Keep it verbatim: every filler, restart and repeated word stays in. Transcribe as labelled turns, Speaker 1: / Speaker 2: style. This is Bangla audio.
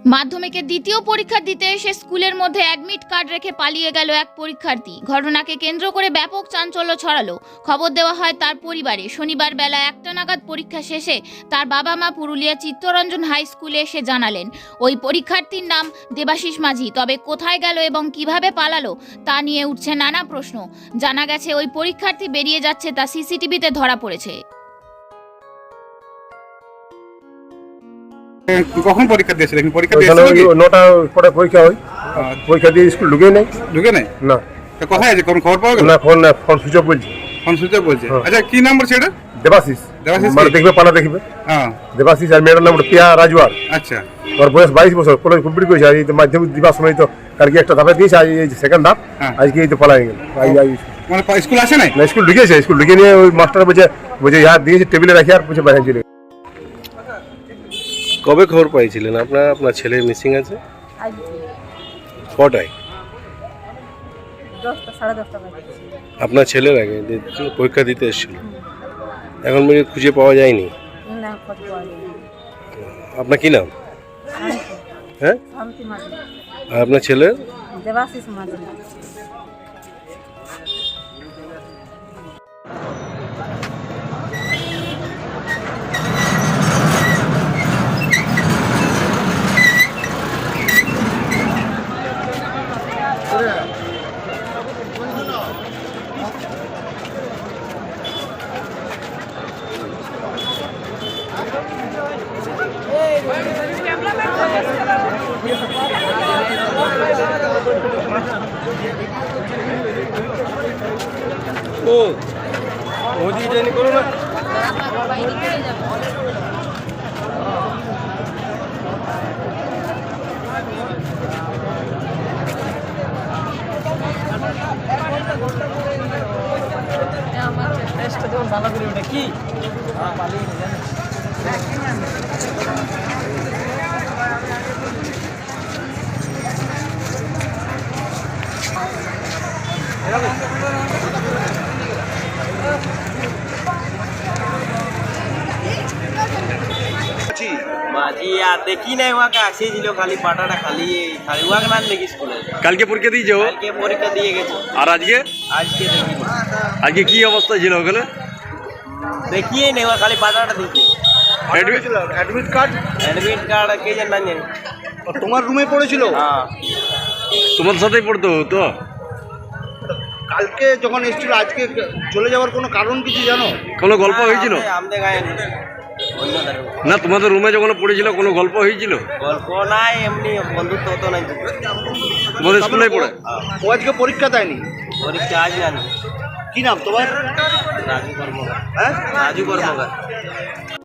Speaker 1: মাধ্যমিকের দ্বিতীয় পরীক্ষা দিতে এসে স্কুলের মধ্যে অ্যাডমিট কার্ড রেখে পালিয়ে গেল এক পরীক্ষার্থী। ঘটনাকে কেন্দ্র করে ব্যাপক চাঞ্চল্য ছড়ালো। খবর দেওয়া হয় তার পরিবারে। শনিবার বেলা একটা নাগাদ পরীক্ষা শেষে তার বাবা মা পুরুলিয়া চিত্তরঞ্জন হাই স্কুলে এসে জানালেন ওই পরীক্ষার্থীর নাম দেবাশিস মাঝি। তবে কোথায় গেল এবং কিভাবে পালালো তা নিয়ে উঠছে নানা প্রশ্ন। জানা গেছে ওই পরীক্ষার্থী বেরিয়ে যাচ্ছে তা সিসিটিভিতে ধরা পড়েছে।
Speaker 2: কখন পরীক্ষা দিয়েছিলেন? পরীক্ষা দিয়েছিলেন কি?
Speaker 3: নটার পরে পরীক্ষা হয়। পরীক্ষা দিয়ে স্কুল ঢুকে নাই।
Speaker 2: ঢুকে নাই
Speaker 3: না।
Speaker 2: তা কোথায় আছে? কোন খবর পাওয়া গেল?
Speaker 3: না, ফোন ফোন সুইচ অফ বলছে।
Speaker 2: ফোন সুইচ অফ বলছে। আচ্ছা, কি নাম্বার সেটা?
Speaker 3: দেবাশিস।
Speaker 2: দেবাশিস
Speaker 3: মানে দেখবে পালা দেখবে।
Speaker 2: হ্যাঁ,
Speaker 3: দেবাশিস। আর মেয়েটার নাম প্রিয়া রাজওয়ার।
Speaker 2: আচ্ছা,
Speaker 3: ওর বয়স বাইশ বছর। কলেজ কমপ্লিট করেছে। আর এই মাধ্যমিক দিবার সময় তো কালকে একটা ধাপে দিয়েছে, আজ এই সেকেন্ড ধাপ। আজকে এই তো পালাই গেল।
Speaker 2: মানে স্কুল আসে নাই?
Speaker 3: না, স্কুল ঢুকেছে। স্কুল ঢুকে নিয়ে ওই মাস্টার বলছে বলছে ইহার দিয়েছে টেবিলে রাখি আর বলছে বাইরে চলে।
Speaker 4: কবে খবর পাইছিলেন আপনার আপনার ছেলে মিসিং আছে? কটায়?
Speaker 5: দশটা সাড়ে দশটা বাজে।
Speaker 4: আপনার ছেলের আগে যে পরীক্ষা দিতে এসেছিল, এখন পর্যন্ত খুঁজে পাওয়া যায়নি।
Speaker 5: না, খোঁজ পাওয়া যায়নি।
Speaker 4: আপনার কি নাম?
Speaker 5: শান্তি
Speaker 4: হ্যাঁ,
Speaker 5: শান্তি মাঝি।
Speaker 4: আর আপনার ছেলের?
Speaker 5: দেবাশিস মাঝি।
Speaker 4: ও মোদি জানি করো না। কি
Speaker 6: মাঝি আর দেখি নাই, ওয়াকে আসেছিল খালি পাটাটা খালি খালি ওয়াকে না দেখি স্কুলে।
Speaker 4: কালকে পরীক্ষা দিয়েছো?
Speaker 6: কালকে পরীক্ষা দিয়ে গেছে।
Speaker 4: আর আজকে?
Speaker 6: আজকে দেখি
Speaker 4: আজকে কি অবস্থা ছিল ওখানে?
Speaker 6: দেখিয়ে নেই, ওয়া খালি পাটাটা দিচ্ছে।
Speaker 2: Admit card?
Speaker 6: অ্যাডমিট কার্ড কে জান না জানি।
Speaker 2: তোমার রুমে পড়েছিল?
Speaker 6: হ্যাঁ,
Speaker 4: তোমার সাথেই পড়তো তো?
Speaker 2: কালকে যখন এসেছিল, আজকে চলে যাওয়ার কোনো কারণ কিছু জানো?
Speaker 4: কোনো গল্প হয়েছিল?
Speaker 6: আমাদের গায়ে অন্য ধারে।
Speaker 4: না, তোমাদের রুমে যখন পড়েছিল কোনো গল্প হয়েছিল?
Speaker 6: গল্প নাই, এমনি বন্ধুত্ব হতো নাই।
Speaker 4: তোমাদের স্কুলে পড়ে?
Speaker 2: ও আজকে পরীক্ষা দেয়নি?
Speaker 6: পরীক্ষা আজ জানি।
Speaker 2: কি নাম তোমার?
Speaker 6: রাজু কর্মকার।
Speaker 2: হ্যাঁ,
Speaker 6: রাজু কর্মকার।